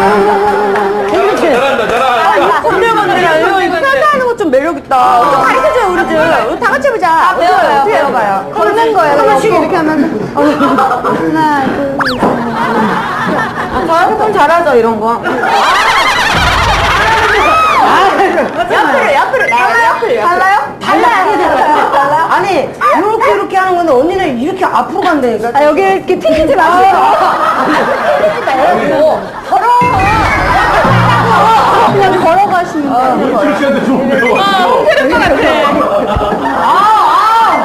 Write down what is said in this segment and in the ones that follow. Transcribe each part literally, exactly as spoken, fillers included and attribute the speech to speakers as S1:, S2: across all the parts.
S1: 잘한다, 잘한다.
S2: 꼰대건데 이거 하는 거 좀 매력 있다. 좀 가르쳐줘요 우리 좀. 우리 다 같이 해보자.
S3: 배워요, 배워봐요. 걷는 거예요.
S2: 하나씩 이렇게 하면서. 하나, 둘, 셋. 아, 조금 잘하죠 이런 거. 옆으로 옆으로 달라요? 달라요? 달라요? 달라요? 아니 이렇게 이렇게 하는 건데 언니는 이렇게 앞으로 간다니까. 아 여기 이렇게 튕기지 마세요. 튕기지 말고 걸어. 그냥 걸어가시면 돼요.
S1: 홍철 씨한테 좀 배워.
S2: 아, 홍철 것 같아. 아,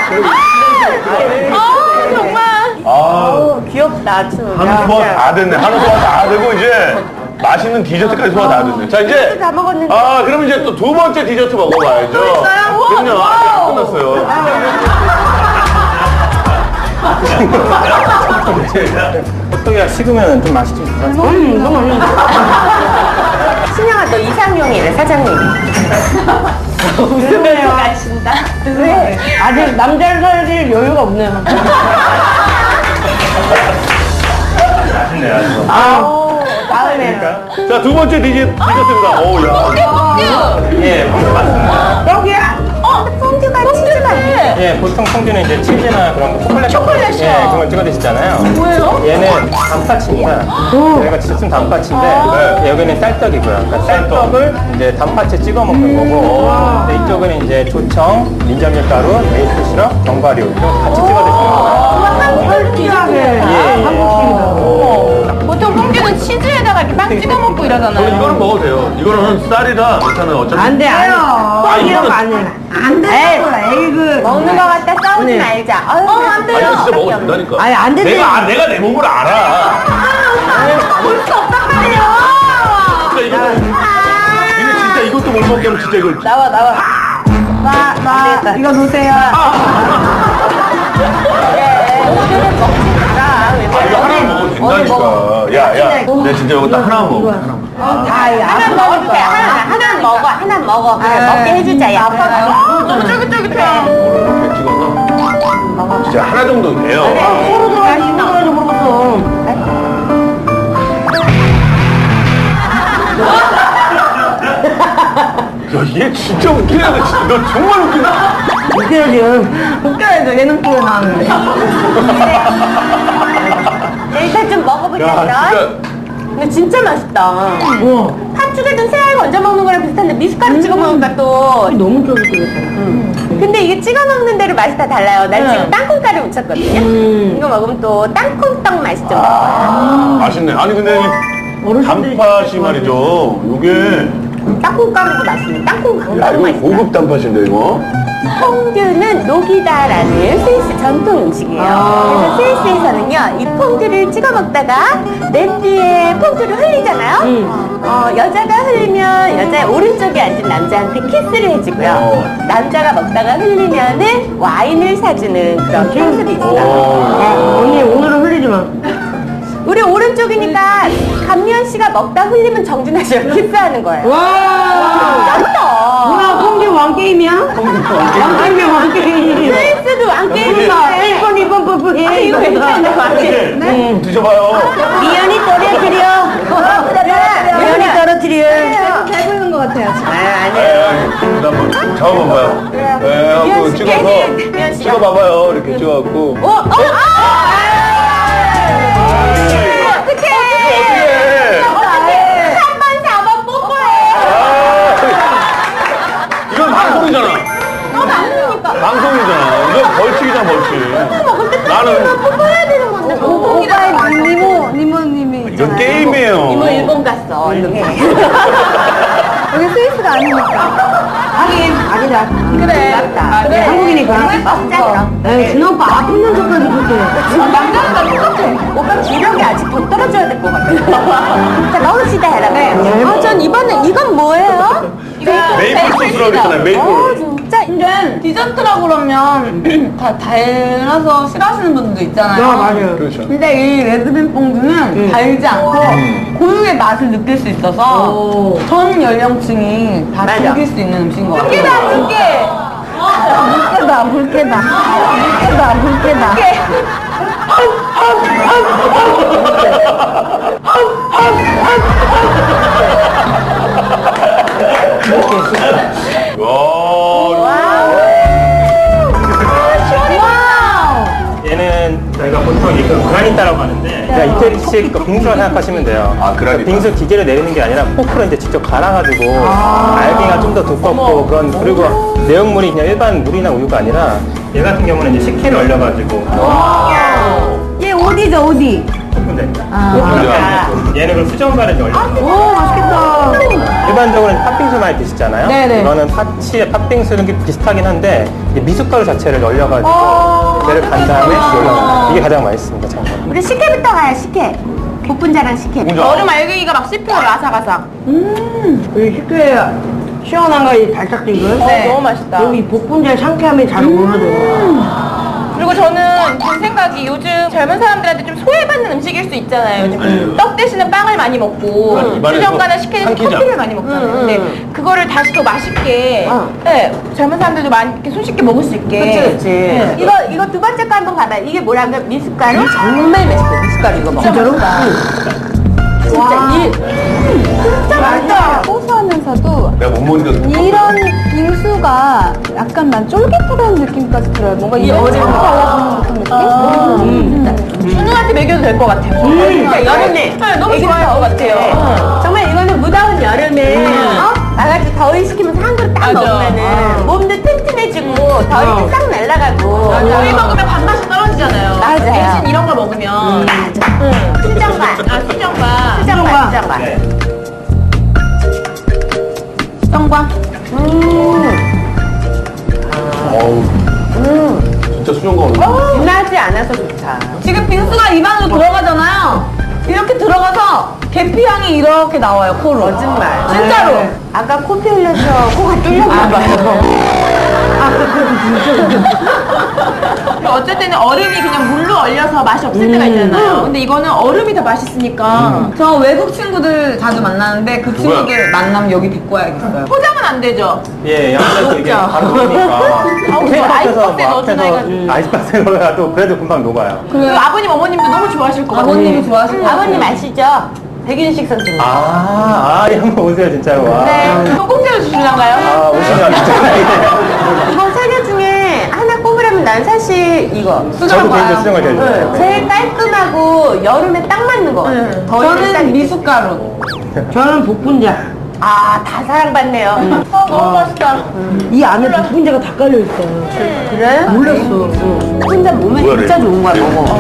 S2: 아, 정말.
S1: 아,
S2: 귀엽다 춤.
S1: 한우 소화 다 됐네. 한우 소화 다 되고 이제 맛있는 디저트까지 소화 다 됐네. 자 이제
S2: 다 먹었는데.
S1: 아 그럼 이제 또 두 번째 디저트 먹어봐야죠.
S2: 있어요?
S1: 그럼요.
S2: 우와,
S1: 아직 안
S2: 와우.
S1: 끝났어요.
S4: 호떡이가 식으면 좀 맛이 좀 있어.
S2: 음, 너무 맛있는데. 신영아, 너 이상형이래, 사장님. 웃으면서 가신다. 왜? 아직 남자를 살릴 여유가 없네요.
S1: 맛있네 아주.
S2: 아우, 다음에는.
S1: 자 두 번째 디저, 디저트입니다. 오 야.
S4: 예, 맞습니다.
S2: 여기야? 어, 퐁듀가 치즈가
S4: 예, 보통 퐁듀는 이제 치즈나 그런 거, 초콜릿.
S2: 초콜릿이요.
S4: 예, 그런 걸 찍어 드시잖아요.
S2: 뭐예요?
S4: 얘는 단팥입니다. 저희가 진짜 쓴 단팥인데
S1: 네.
S4: 여기는 쌀떡이고요. 그러니까 쌀떡을 이제 단팥에 찍어 먹는 거고 근데 이쪽은 이제 조청, 민저밀가루, 메이플 시럽, 견과류 이렇게 같이 찍어 드시는 거예요.
S2: 한국식이하게.
S4: 예,
S2: 한국식이다. 보통 퐁듀는 치즈에다가 이렇게 빵 찍어 먹고
S1: 저는
S2: 이러잖아요.
S1: 이거는 먹어도 돼요. 이거는 쌀이라 괜찮아요. 어차피.
S2: 안 돼, 안 돼.
S1: 아 이거는
S2: 안 돼. 에이, 먹는 거 갖다 싸우지 말자. 아유, 어, 안 돼요.
S1: 아니 진짜 먹어도 된다니까.
S2: 아니, 안 되지.
S1: 내가 아, 내가 내 몸을 알아.
S2: 볼 수 없단 말이야.
S1: 진짜 이거. 니네 진짜 이것도 못 먹게 하면 진짜 이걸.
S2: 나와, 나와. 나, 나, 이거 놓으세요. 예, 오늘은 먹지 마라. 왜
S1: 아 이거 하나만 먹어도 된다니까. 야야, 내 진짜 이거 딱 하나만 먹어. 하나만.
S2: 하나 먹어도 돼. 하나, 하나 먹어. 하나 먹어. 그래, 먹게 해주자. 야. 너무 쫄깃쫄깃해.
S1: 이렇게 찍어서. 진짜 하나 정도 돼요.
S2: 서로 들어가지, 이거 들어가지 모르겠어.
S1: 야, 얘 진짜 웃기네. 너 진짜. 너 정말 웃기다.
S2: 웃겨야지. 웃겨야죠. 예능 프로에 나왔는데. 일단 좀 먹어보자.
S1: 야, 진짜.
S2: 근데 진짜 맛있다. 팥죽에든 새알 건져 먹는 거랑 비슷한데 미숫가루 찍어 먹으니까 또 너무 쫄깃쫄깃해. 근데 이게 찍어 먹는 대로 맛이 다 달라요. 난 지금 땅콩가루 묻혔거든요. 이거 먹으면 또 땅콩떡 맛이 좀 나요.
S1: 맛있네. 아니 근데 이 단팥이 말이죠. 요게
S2: 땅콩가루도 맛있네. 땅콩
S1: 야
S2: 강가루
S1: 이거
S2: 맛있다.
S1: 고급 단팥인데 이거.
S2: 퐁듀는 녹이다라는 스위스 전통 음식이에요. 그래서 스위스에서는요, 이 퐁듀를 찍어 먹다가 냄비에 퐁듀를 흘리잖아요. 어, 여자가 흘리면 여자의 오른쪽에 앉은 남자한테 키스를 해주고요. 남자가 먹다가 흘리면은 와인을 사주는 그런 풍습이 있어요. 네.
S3: 언니 오늘은 흘리지 마.
S2: 우리 오른쪽이니까 감미연 씨가 먹다 흘리면 정준하 씨가 키스하는 거예요.
S3: 와.
S2: 짱다.
S3: 뭐야, 콩듀 왕게임이야? 왕게임이야, 왕게임.
S2: 스위스도 왕게임이다.
S3: 일 번, 이 번, 뽀뽀 해.
S2: 아, 이거 괜찮네, 왕게임.
S1: 네. 드셔봐요.
S2: 미연이 떨어뜨려. 미연이 떨어뜨려.
S3: 배부른 것 같아요.
S2: 아, 아니에요.
S1: 일단 한번 잡아봐봐요. 네,
S2: 미연
S1: 한번
S2: 씨,
S1: 찍어서
S2: 미연 씨가.
S1: 찍어봐봐요. 이렇게 찍어갖고.
S2: 어? 어? 아! 어떡해.
S1: 어떡해.
S2: 어떡해. 삼 번, 사 번 뽀뽀해.
S1: 이건 방송이잖아.
S2: 어, 방송이니까.
S1: 방송이잖아. 이건 벌칙이잖아, 벌칙.
S2: 먹을 때
S1: 나는
S2: 뽀뽀해야 되는 건데. 뽀뽀기다.
S3: 니모, 니모님이.
S1: 이건 게임이에요.
S2: 이모 일본 갔어. 이렇게.
S3: 여기 스위스가 아니니까. 하긴, 아니다.
S2: 그래.
S3: 맞다.
S2: 그래.
S3: 한국이니까.
S2: 먹자, 그럼.
S3: 에이, 준호 오빠 아픈 척까지 그렇게.
S2: 남자랑 나 똑같아. 오빠 기력이 아직 더 떨어져야 될 것 같아. 자, 넣읍시다, 여러분. 아, 전 이번에, 이건 뭐예요?
S1: 메이플 소스라고 그랬잖아요, 메이플.
S2: 어, 진짜.
S5: 근데 디저트라 그러면 다 달아서 싫어하시는 분들도 있잖아요.
S3: 아, 맞아요.
S1: 그렇죠.
S5: 근데 이 레드빈 뽕듀는 달지 않고 고유의 맛을 느낄 수 있어서
S3: 오.
S5: 전 연령층이 다
S2: 맞아.
S5: 즐길 수 있는 음식인 것 같아요.
S2: 물개다, 물개.
S3: 물개다, 물개다. 물개다, 물개다.
S2: 물개.
S4: 그냥 이태리식 그 빙수라 생각하시면 돼요.
S1: 아, 그러니까.
S4: 빙수 기계로 내리는 게 아니라 포크로 이제 직접 갈아가지고 알갱이가 좀 더 두껍고 그런 그리고 내용물이 그냥 일반 물이나 우유가 아니라 얘 같은 경우는 이제 식혜를 얼려가지고
S3: 얘 어디죠, 어디?
S4: 오픈됩니다.
S1: 아.
S4: 얘는 그 수정과를 이제 얼려.
S3: 오, 맛있겠다.
S4: 일반적으로 팥빙수 많이 드시잖아요.
S3: 네네.
S4: 이거는 팥이 팥빙수는 게 비슷하긴 한데 이제 미숫가루 자체를 얼려가지고 얘를 간 다음에 올라옵니다. 이게 가장 맛있습니다, 참고로.
S2: 우리 식혜부터 가요, 식혜. 복분자랑 식혜.
S1: 복분자.
S5: 얼음 알갱이가 막 씹혀요, 아삭아삭.
S3: 이 식혜 시원한 거, 이 달짝지근.
S5: 네. 너무 맛있다.
S3: 여기 복분자의 상쾌함이 잘 어울려요.
S5: 그리고 저는 든 생각이 요즘 젊은 사람들한테 좀 소외받는 음식일 수 있잖아요. 요즘 떡 대신에 빵을 많이 먹고
S1: 맞아, 입안에서
S5: 수정과나 식혜는
S1: 삼키지
S5: 커피를
S1: 않아.
S5: 많이 먹잖아요. 근데 그거를 다시 더 맛있게 네, 젊은 사람들도 많이 이렇게 손쉽게 먹을 수 있게.
S3: 그치, 그치.
S5: 네.
S2: 이거, 이거 두 번째 거 한번 가봐요. 이게 뭐라고요? 미숫가루?
S5: 정말 맛있어요. 미숫가루 이거 먹어.
S3: 진짜로?
S2: 진짜 이
S5: 진짜 맛있다. 고소하면서도
S1: 내가 못 먹으니까.
S5: 이런 빙수가 약간만 쫄깃하다는 느낌까지 들어요. 뭔가 이 어제 발라주는 듯한 느낌? 음. 준우한테 먹여도 될 것 같아요.
S2: 진짜 여름에
S5: 네, 너무
S2: 애기들
S5: 좋아할 것
S2: 더울 때.
S5: 같아요.
S2: 정말 이거는 무더운 여름에 어? 나가지고 더위 식히면서 한 그릇 딱
S5: 맞아.
S2: 먹으면은 몸도 튼튼해지고 더위도 싹 날아가고.
S5: 저희 먹으면 밥맛이 떨어지잖아요.
S2: 맞아요.
S5: 대신 이런 걸 먹으면
S2: 수정과.
S5: 아 수정과
S2: 수정과, 수정과.
S4: 네.
S5: 수정과
S1: 어우. 진짜 수정과 오늘.
S2: 진하지 않아서 좋다.
S5: 지금 빙수가 입 안으로 들어가잖아요. 이렇게 들어가서 계피향이 이렇게 나와요, 코로.
S2: 거짓말.
S5: 진짜로.
S2: 네. 아까 코피 흘려서 코가 뚫렸나 봐요.
S5: 어쨌든 얼음이 그냥 물로 얼려서 맛이 없을 때가 있잖아요. 근데 이거는 얼음이 더 맛있으니까. 저 외국 친구들 자주 만나는데 그
S1: 누구야?
S5: 친구들 만나면 여기 데리고 와야겠어요. 포장은 안 되죠?
S4: 예, 양쪽에서 이게 바로 녹으니까.
S5: 아우,
S4: 테이크
S5: 저
S4: 앞에서
S5: 아이스박스에
S4: 뭐
S5: 넣어주나
S4: 앞에서
S5: 해가지고.
S4: 아이스박스에 넣어도 그래도 금방 녹아요.
S5: 그 아버님, 어머님도 너무 좋아하실 것 같아요. 아버님이 좋아하실 것 같아요.
S2: 아버님 아시죠? 백윤식 선생님.
S4: 아, 아, 예, 한번 오세요, 진짜로. 와.
S5: 네. 또 공짜로 주실란가요?
S4: 아, 오시면 진짜.
S2: 이거 세 개 중에 하나 꼽으라면 난 사실 이거.
S4: 저도 개인적으로 수정을 제일 좋아해요.
S2: 제일 깔끔하고 여름에 딱 맞는 거 같아요. 더위를 딱
S5: 저는 미숫가루.
S3: 저는 복분자.
S2: 아, 다 사랑받네요.
S5: 아, 너무 맛있다.
S3: 이 안에 복분자가 다 깔려있어요.
S2: 그래?
S3: 몰랐어.
S2: 혼자 몸에
S1: 뭐야,
S2: 진짜
S1: 그래?
S2: 좋은 거야, 먹어.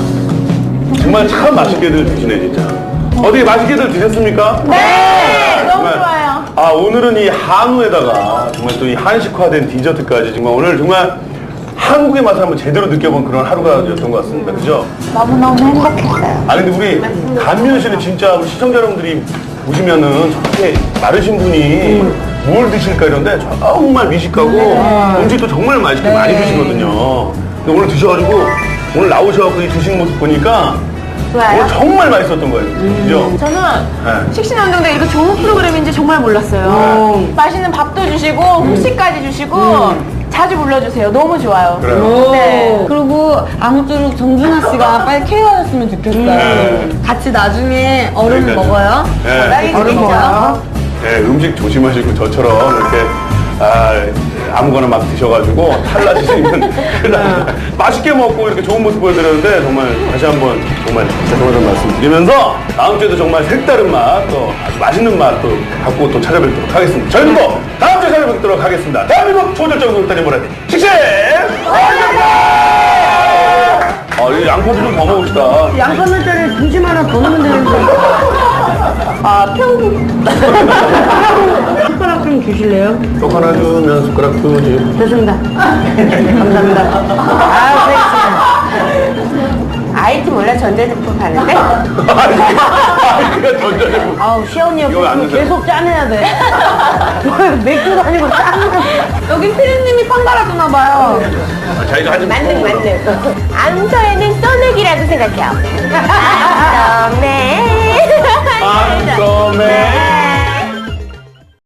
S1: 정말 참 맛있게들 드시네, 진짜. 어떻게 맛있게들 드셨습니까?
S5: 네, 너무
S1: 정말.
S5: 좋아요.
S1: 아, 오늘은 이 한우에다가 정말 또 이 한식화된 디저트까지 정말 오늘 정말 한국의 맛을 한번 제대로 느껴본 그런 하루가였던 것 같습니다. 그죠?
S2: 너무너무 행복했어요.
S1: 아, 근데 우리 감미연 씨는 진짜 우리 시청자 여러분들이 보시면은 저렇게 마르신 분이 뭘 드실까 이런데 정말 미식하고 음식도 정말 맛있게 많이 드시거든요. 근데 오늘 드셔가지고 오늘 나오셔가지고 이 드시는 모습 보니까
S2: 좋아요?
S1: 오늘 정말 맛있었던 거예요. 그죠?
S5: 저는
S1: 네.
S5: 식신운동대 이렇게 좋은 프로그램인지 정말 몰랐어요. 맛있는 밥도 주시고 후식까지 주시고 자주 불러주세요. 너무 좋아요.
S1: 그래요.
S5: 네. 그리고 아무쪼록 정준하 씨가 빨리 케어하셨으면 좋겠어요.
S1: 네.
S5: 같이 나중에 얼음
S1: 그러니까요.
S5: 먹어요.
S1: 네.
S2: 얼음 먹어요?
S1: 네, 음식 조심하시고 저처럼 이렇게 아, 아무거나 막 드셔가지고 탈나시면 큰일 납니다. 맛있게 먹고 이렇게 좋은 모습 보여드렸는데 정말 다시 한번 정말 죄송하다는 말씀 드리면서 다음 주에도 정말 색다른 맛, 또 아주 맛있는 맛 또 갖고 또 찾아뵙도록 하겠습니다. 저희는 또 다음 주에 찾아뵙도록 하겠습니다. 대한민국 초절정 놀다리 보라디 식식! 아, 이 양파도 좀 더 먹읍시다.
S3: 양파물자리 중심 하나 더 넣으면 되는데.
S2: 아, 평균.
S3: 숟가락 좀 주실래요?
S1: 떡 하나 주면 숟가락도 주고.
S3: 좋습니다. 감사합니다.
S2: 아, 그랬습니다. 아이티 몰라 전자제품 파는데?
S1: 아이가 전자제품.
S3: 아우, 시원이
S1: 이거 안
S3: 옆에
S1: 드세요?
S3: 계속 짜내야 돼. 맥주도 아니고 짜내야
S5: 여기 피디님이 판 갈아주나 봐요.
S1: 아, 자기가 하지
S2: 만능, 만능. 암서에는 써내기라고 생각해요. 암서네.
S1: 아, 썸에